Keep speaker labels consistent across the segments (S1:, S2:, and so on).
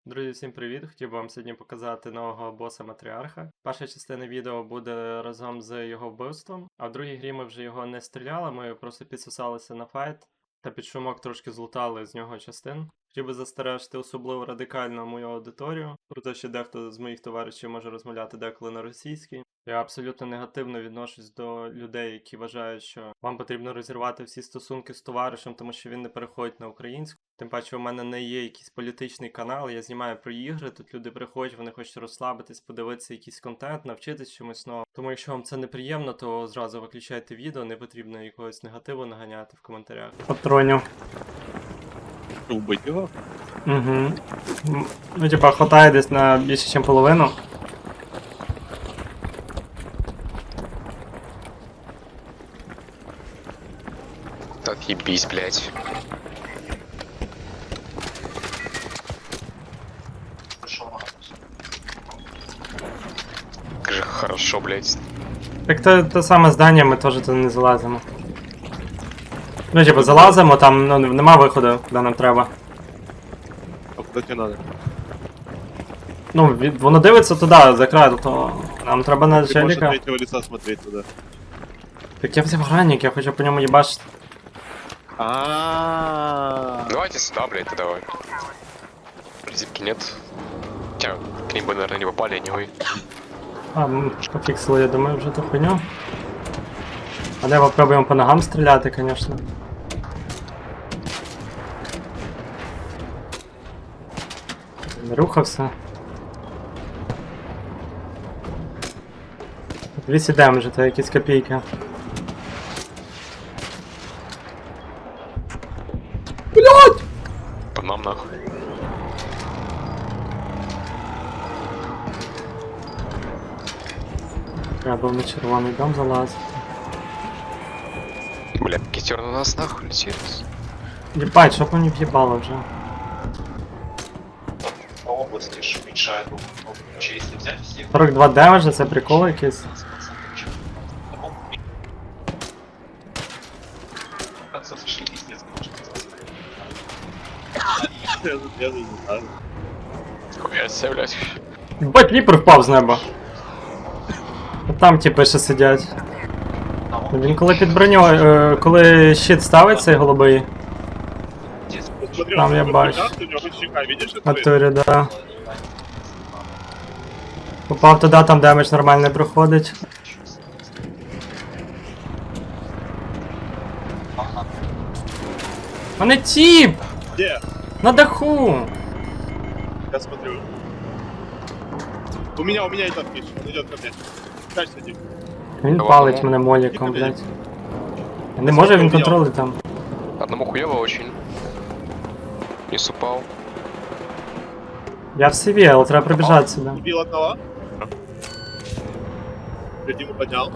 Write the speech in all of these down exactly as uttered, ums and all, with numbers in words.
S1: Друзі, всім привіт! Хотів би вам сьогодні показати нового боса Матріарха. Перша частина відео буде разом з його вбивством, а в другій грі ми вже його не стріляли, ми просто підсосалися на файт та під шумок трошки злутали з нього частин. Хотів би застережити особливо радикально мою аудиторію, про те, що дехто з моїх товаришів може розмовляти деколи на російській. Я абсолютно негативно відношусь до людей, які вважають, що вам потрібно розірвати всі стосунки з товаришем, тому що він не переходить на українську. Тим паче у мене не є якийсь політичний канал, я знімаю про ігри, тут люди приходять, вони хочуть розслабитись, подивитися якийсь контент, навчитись чомусь новому. Тому якщо вам це неприємно, то зразу виключайте відео, не потрібно якогось негативу наганяти в коментарях. Патронів.
S2: Убить його?
S1: Угу. Ну типа хватає десь на більше, ніж половину.
S3: Так ебись, блядь. Как же хорошо, блядь.
S1: Так то, то саме здання, ми теж туди не залазимо. Ну типа залазимо, там ну, нема виходу, куди нам треба.
S2: А куда тебе надо?
S1: Ну, від, воно дивиться туди, за край, то нам треба на
S2: Ты можешь от
S1: челіка.
S2: третьего лица смотреть туда.
S1: Так я взяв гранник, я хочу по ньому їбачити.
S2: А.
S3: Давайте сюда, блядь, тогда давай. Зипки нет. Хотя к ним бы, наверное, не попали, anyway.
S1: А, м, пофіксили, я думаю, вже ту хуйню. А давай попробуємо по ногам стріляти, звісно. Не рухався. двісті демеджа, це якісь копійки. Блять!
S3: Под нам нахуй.
S1: Треба на червоний дом залазити.
S3: Бля, китер на нас нахуй летит.
S1: Єбать, що по мені в'їбало вже.
S4: По области ж уменьшает вообще, если взять всех.
S1: сорок два демеджа, це прикол якийсь.
S4: Сошли пиздец,
S2: Я я не знаю.
S3: Хуя себе, блядь.
S1: Єбать, віпер впав з неба. А там типи ще сидять. Він коли під броньою, е, коли щит ставить цей голубий,
S2: Посмотри,
S1: Там
S2: он
S1: я
S2: такой
S1: бачу.
S2: прекрасный, у него хоть щека, видишь?
S1: на
S2: Это
S1: турі, да. Попав туди, там демедж нормально проходить. Мене тіп!
S2: Где?
S1: На даху!
S2: Я смотрю. У меня, у меня и там пишет, он идет ко мне. Качься, Дим.
S1: Він
S3: Давай,
S1: палить
S3: ну.
S1: мене моліком, блядь. Не може він контролить там.
S3: Одному хуево очень. Не упал.
S1: Я в сиві, але треба прибіжати сюди.
S2: Убил одного. Я Диму поднял.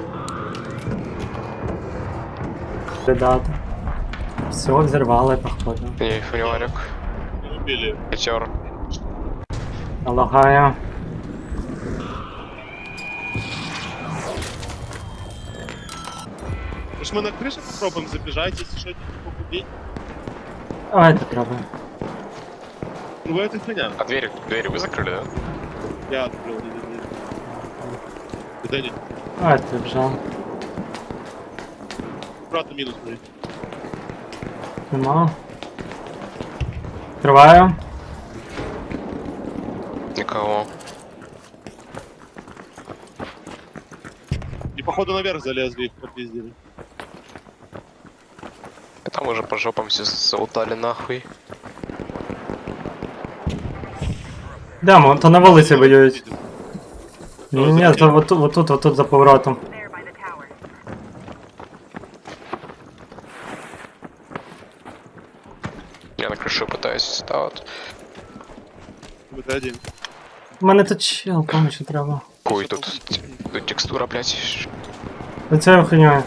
S1: Придати. Все, взірвали, походу.
S3: Не, фуниварик.
S2: Не убили.
S3: Китер.
S1: Налагаю.
S2: Может мы на крыше попробуем забежать, если что, побудить?
S1: Давайте пробуємо.
S2: Ну это хуйня.
S3: А двери, двери вы закрыли, да?
S2: Я открыл, не, не, не. Это не.
S1: Давайте прибіжав.
S2: Аккуратно минус, смотри.
S1: Нема. Відкриваю.
S3: Никого.
S2: И походу наверх залезли, их попиздили.
S3: И там уже по жопам все заутали нахуй.
S1: Йдемо, то на вулиці воюють. Ні, ні, то отут, отут, отут за поворотом.
S3: Я на крышу пытаюсь, да, вот.
S2: Это один.
S1: У мене тут чел, кому що треба.
S3: Хуй, тут, тут текстура, блядь.
S1: За цією хуйньою.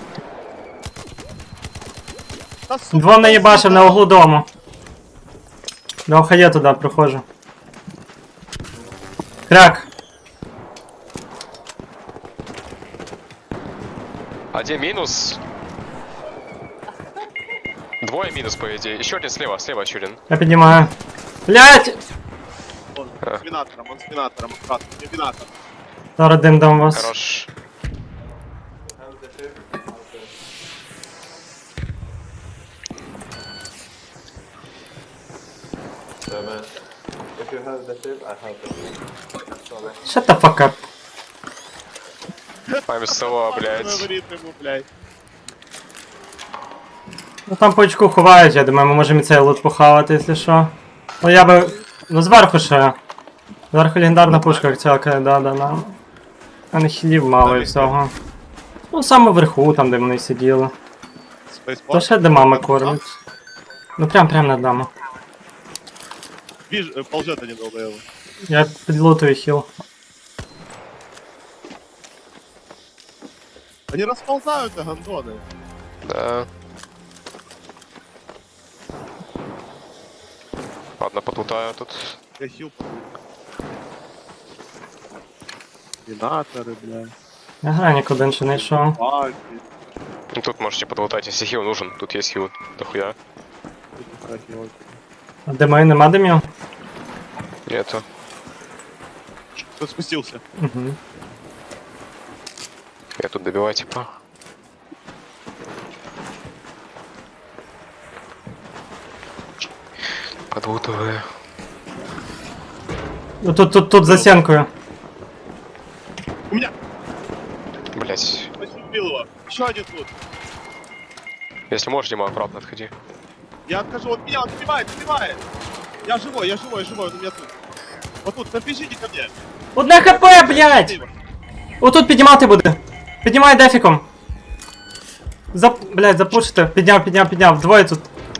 S2: Да, сука,
S1: Двом наїбашив на углу дому. До хає туди проходжу. Крак.
S3: Один минус. Двое минус, по идее. Еще один слева, слева еще один.
S1: Я піднімаю. Блять!
S3: А.
S2: С минатором, он с минатором, аккуратно, у него минатор.
S1: Зараз дим дам вас.
S3: Хорош.
S1: Shut the fuck up.
S3: I'm so, блядь.
S2: Говорит ему, блядь.
S1: Ну там по очку ховають, я думаю, ми можемо і цей лут похавати, якщо що. Ну я би. Ну зверху ще. Зверху легендарна пушка цякає, да, да, да. А не хілів мало і всього. Ну саме вверху, там де вони сиділи. То
S2: Спейспорт.
S1: ще де мама кормить. Ну прям прям над нами.
S2: Виж, э, ползет один долбоёбы.
S1: Я підлутую хіл.
S2: Они расползаются, гандоны.
S3: Да. Ладно, подлутаю тут.
S2: Я хил. Минаторы, блядь.
S1: Я гранік один ще не йшов.
S2: Баки.
S3: Ну тут можете подлутать, если хил нужен. Тут есть хил. Дохуя.
S1: А димей нема димів?
S3: Нету.
S2: Кто спустился?
S1: Угу.
S3: Я тут добиваю, типа. Подлутываю.
S1: Ну тут, тут, тут за стінкою.
S2: У меня!
S3: Блять.
S2: Почти убил его. Еще один тут.
S3: Если можешь, Дима, аккуратно отходи.
S2: Я откажу, он меня, он снимает, снимает. Я живой, я живой, я живой, он у меня тут. Вот тут, напишите ко мне.
S1: Одне хп, блядь! Отут піднімати буде. Піднімай дефіком. Зап... Блядь, запушите. Підняв, підняв, підняв. Двоє тут.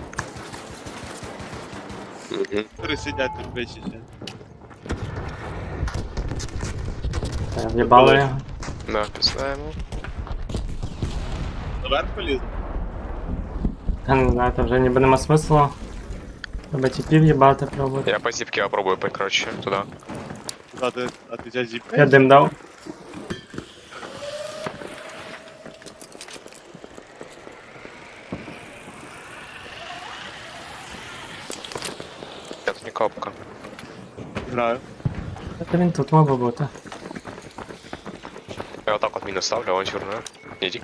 S2: Которые сидят тут, блядь, сейчас.
S1: В'єбали його.
S3: Да, пизда ему.
S2: Наверх полезу.
S1: Я не знаю, там вже ніби нема смислу. Треба тіпів їбати пробувати.
S3: Я по зипке попробую, короче, туда.
S2: Куда ты, а ты тебя зип?
S1: Я дим дав.
S3: Это не капка.
S2: Играю.
S1: Та він тут мав би бути.
S3: Я вот так вот минус ставлю, авантюрную. Иди.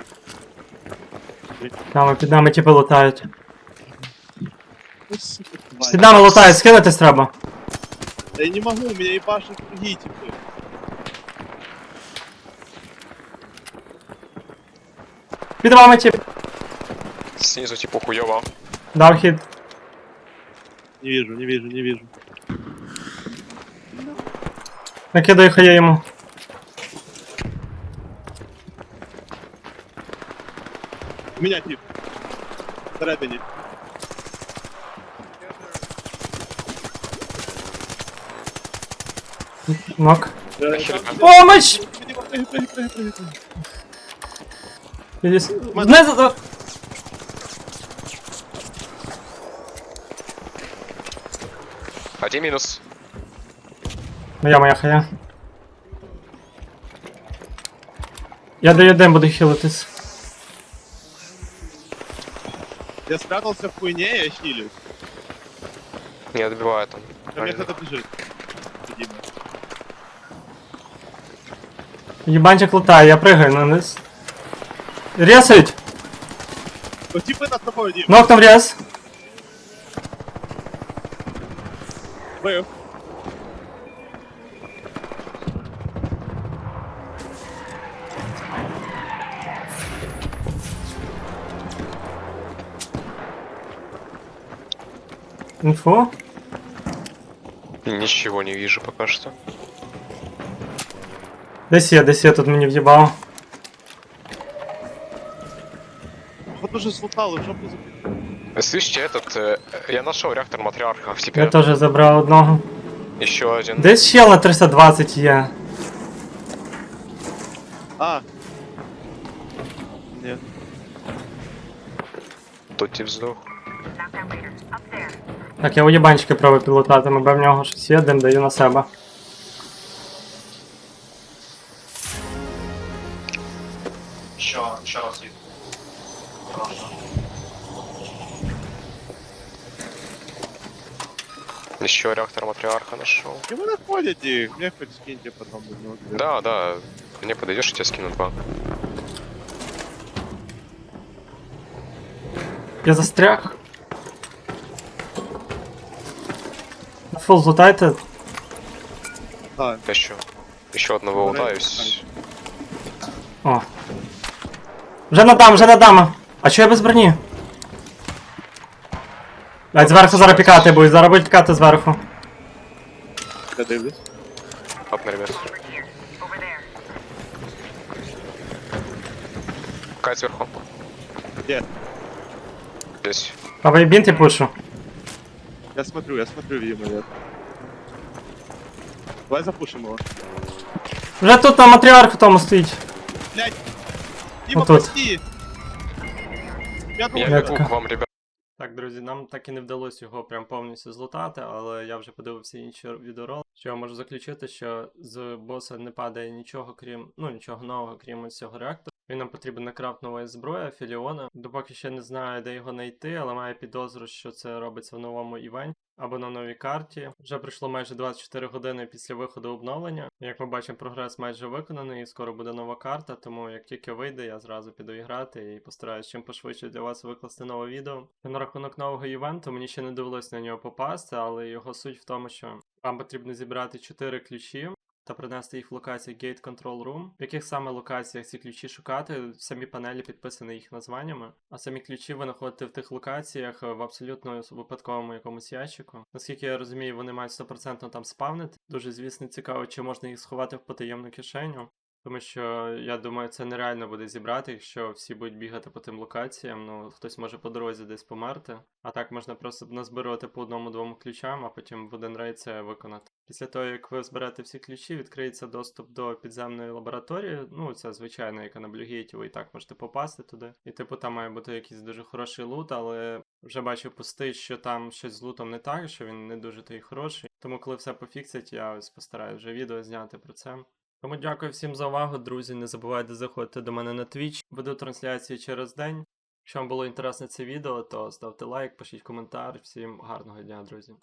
S1: Там під нами тіпи лутають.
S2: Ну, сука,
S1: Під
S2: тварь.
S1: нами лутають, скинутись треба.
S2: Да я не могу, у меня ебашут другие типы.
S1: Під вами тіп.
S3: Снизу типа хуёво.
S1: Дав хід.
S2: Не вижу, не вижу, не вижу.
S1: Накидаю хає йому.
S2: У меня тип. Всередині.
S1: Нок.
S2: Е,
S3: Хер,
S2: там-
S1: Помощь!
S2: Прыгай, прыгай, прыгай, прыгай, прыгай, прыгай.
S1: Підіс... Знизу...
S3: Один минус.
S1: Моя моя хая. Я даю дим, буду хілитись.
S2: Я спрятался в хуйне, я хилюсь.
S3: Не добиваю там.
S2: Ко мне кто-то бежит. Дима.
S1: Єбанчик лутає, я пригаю на низ. Ресають!
S2: Ну типы над тобой, Дим.
S1: Нок там рез.
S2: Бэв.
S1: Інфо.
S3: Ничего не вижу пока что.
S1: Десь є, десь є, тут мені в'їбав.
S2: Вот уже слутал, и жопу забил.
S3: Слышите, этот... э, я нашел реактор матриарха.
S1: Я
S3: Теперь
S1: теж забрав одного.
S3: еще один.
S1: Десь щел на триста двадцять є.
S2: А. Нет.
S3: Тут тип сдох.
S1: Так, я у єбанчики пробую підлутати, мабе в нього щось є, дим даю на себе.
S4: Еще, еще раз вид. Хорошо.
S3: Еще реактор матриарха нашел.
S2: И вы находите их, мне хоть скиньте потом. ну, вот,
S3: Да, да. Мне подойдешь, я тебе скину два.
S1: Я застряг. Фул злутайте.
S2: Да,
S3: Еще. Еще одного
S2: Давай,
S3: лутаюсь.
S1: О. Вже надам, вже надам. А чого я без броні? Блять, зверху зараз пікати будуть, зараз будуть пікати зверху.
S2: я дивлюсь.
S3: Оп, на ребят. Кать сверху.
S2: Где?
S3: Здесь.
S1: Правий бінт і пушу.
S2: Я смотрю, я смотрю, видимо, нет. Давай запушим его.
S1: Вже тут на матріарху тому стоїть.
S2: Блять! Дима,
S1: Вот тут.
S2: прости! Я думал,
S3: Я
S1: Я
S3: бегу
S1: така.
S3: к вам, ребят.
S1: Так, друзі, нам так і не вдалося його прям повністю злутати, але я вже подивився інші відеоролики, що я можу заключити, що з боса не падає нічого, крім, ну, нічого нового, крім ось цього реактора. Він нам потрібен на крафт нової зброї, Філіона. Допоки ще не знаю, де його знайти, але маю підозру, що це робиться в новому івенті або на новій карті. Вже пройшло майже двадцять чотири години після виходу обновлення. Як ми бачимо, прогрес майже виконаний, і скоро буде нова карта, тому як тільки вийде, я зразу піду і грати і постараюсь чим пошвидше для вас викласти нове відео. На рахунок нового івенту мені ще не довелось на нього попасти, але його суть в тому, що вам потрібно зібрати чотири ключі та принести їх в локацію Gate Control Room. В яких саме локаціях ці ключі шукати, в самій панелі підписані їх названнями. А самі ключі ви знаходите в тих локаціях в абсолютно випадковому якомусь ящику. Наскільки я розумію, вони мають сто відсотків там спавнити. Дуже, звісно, цікаво, чи можна їх сховати в потаємну кишеню. Тому що, я думаю, це нереально буде зібрати, якщо всі будуть бігати по тим локаціям, ну, хтось може по дорозі десь померти. А так можна просто назбирати по одному-двому ключам, а потім в один рейд це виконати. Після того, як ви зберете всі ключі, відкриється доступ до підземної лабораторії. Ну, це звичайно, яка на Блюгейті, ви і так можете попасти туди. І типу там має бути якийсь дуже хороший лут, але вже бачив пустий, що там щось з лутом не так, що він не дуже той хороший. Тому коли все пофіксять, я ось постараюсь вже відео зняти про це. Тому дякую всім за увагу, друзі. Не забувайте заходити до мене на Twitch. Веду трансляції через день. Якщо вам було інтересне це відео, то ставте лайк, пишіть коментар. Всім гарного дня, друзі.